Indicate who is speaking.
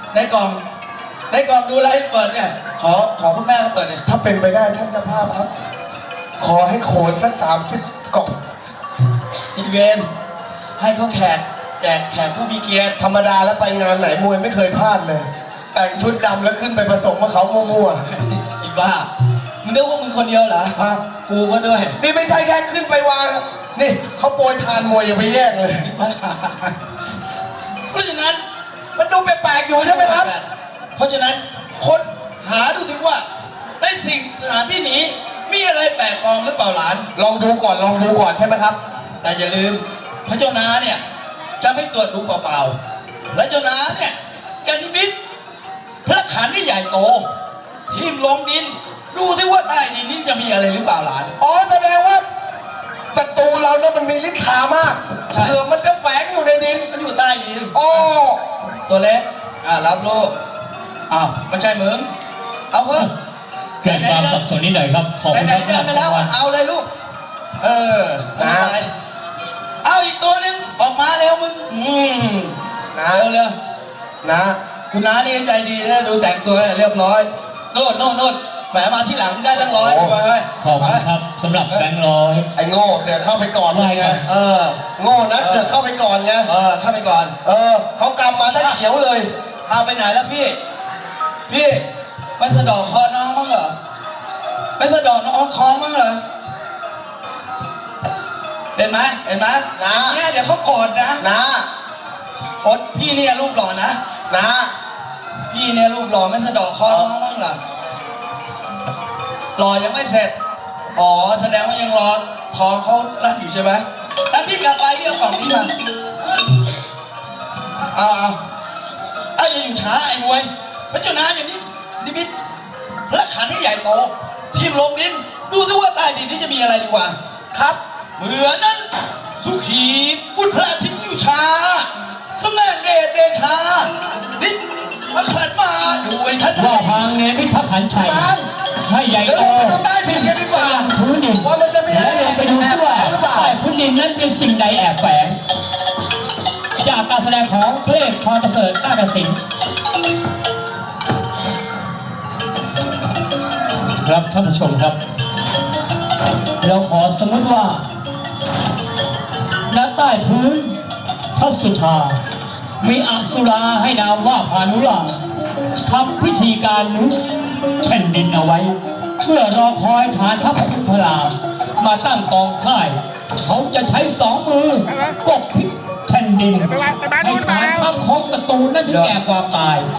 Speaker 1: ในกล่องดูอะไรเปิดเนี่ยขอคุณแม่เขาเปิดเนี่ย
Speaker 2: ถ้าเป็นไปได้ท่านเจ้าภาพครับ ขอให้โขนสัก30กล่อง
Speaker 1: อินเวน ให้เขาแจกแขกผู้มีเกียรติ
Speaker 2: ธรรมดาแล้วไปงานไหนมวยไม่เคยพลาดเลย แต่งชุดดำแล้วขึ้นไปผสมกับเขามั่ว
Speaker 1: อีบ้ามึงนึกว่ามึงคนเดียวเหรอ
Speaker 2: ๆฮะ
Speaker 1: กูก็ด้วย
Speaker 2: นี่ไม่ใช่แค่ขึ้นไปวางนี่เขาโปรยทานมวยอย่าไปแย่งเลย
Speaker 1: เพราะฉะนั้น
Speaker 2: มันดูแปลกๆอยู่ใช่ไหมครับ
Speaker 1: เพราะฉะนั้นคนหาดูถึงว่าในสิ่งสถานที่นี้มีอะไรแปลกปลอมหรือเปล่าหลาน
Speaker 2: ลองดูก่อนใช่ไหมครับ
Speaker 1: แต่อย่าลืมพระเจ้านาเนี่ยจะไม่ตรวจดูเปล่าๆและเจ้านาเนี่ยจะนิมิตพระขันที่ใหญ่โตทิ่มลงดินดูที่ว่าใต้ดินนี้จะมีอะไรหรือเปล่าหลาน
Speaker 2: อ๋อแสดงว่าศัตรูเราเนี่ยมันมีฤทธิ์ขามาก
Speaker 1: ใช่
Speaker 2: เผื่อมันจะแฝงอยู่ในดิน
Speaker 1: มันอยู่ใต้ดิน
Speaker 2: อ๋อ
Speaker 1: ตัวเล็กรับลูกอ้าวไม่ใช่มึงเอาเถอะ
Speaker 3: เกิดความสับสนนิดหน่อยครับขอบคุณ
Speaker 1: ไหน
Speaker 3: ครับ
Speaker 1: ๆเดินไปแล้วเอาเลยลูกไม่เป็นไรเอาอีกตัวหนึงออกมาเร็วมึง
Speaker 2: นะ
Speaker 1: เร็ว
Speaker 2: นะ
Speaker 1: คุณน้านี่ใจดีนะดูแต่งตัวเรียบร้อยโน่นแหมมาที่หลังได้ตั้ง100ไป
Speaker 3: ขอบคุณครับสำหรับแบงค์ร้อย
Speaker 2: ไอ้โง่เสือกเข้าไปก่อนไง โง่นะเสือกเข้าไปก่อนไง
Speaker 1: เข้าไปก่อน
Speaker 2: เขากำมาได้เขียวเลย
Speaker 1: เอาไปไหนแล้วพี่ไม่สะดอกคอน้องมั้งเหรอไม่สะดอกน้องคอมั้งเหรอเห็นไหมนะเนี่ยเดี๋ยวเขากอดนะ
Speaker 2: นะ
Speaker 1: อดพี่เนี่ยรูปหล่อนะ
Speaker 2: นะ
Speaker 1: พี่เนี่ยรูปหล่อไม่สะดอกคอน้องมั้งเหรอหล่อยังไม่เสร็จอ๋อแสดงว่ายังรอท้องเขานั่นอยู่ใช่ไหมแล้วพี่กลับไปเรียกกล่องนี้มาอย่าอยู่ช้าไอ้มวยพระเจ้านาอย่างนี้นิมิตพระขันที่ใหญ่โตทีมลงดินดูซิว่าใต้ดินนี้จะมีอะไรดีกว่าครับเหมือนนั้นสุขีบุตรพระอาทิตย์อยู่ช้าสำแดงเดชานิดมาขันมาด้วยท่าน
Speaker 3: ว่าทางเนมิตรพระขันชัยให้ใหญ่โต
Speaker 2: ดูใต้ดินกันดีกว่า
Speaker 3: พื้นดิน
Speaker 2: ว่ามันจะมีอะไร
Speaker 3: แล้วลงไปดูซิว่า
Speaker 2: หรือเปล่า
Speaker 3: ใต้พื้นดินนั้นเป็นสิ่งใดแอบแฝงจากการแสดงของเพลงพรประเสริฐต้ากสินครับท่านผู้ชมครับ เราขอสมมติว่าณใต้พื้นพระสุธามีอสุราให้นามว่าพานุราทำพิธีการนุแผ่นดินเอาไว้เพื่อรอคอยฐานทัพพระรามมาตั้งกองค่ายเขาจะใช้2 มือกบพิษแผ่นดินให้ฐานทัพของศัตรูนั้นถึงแก่ความตาย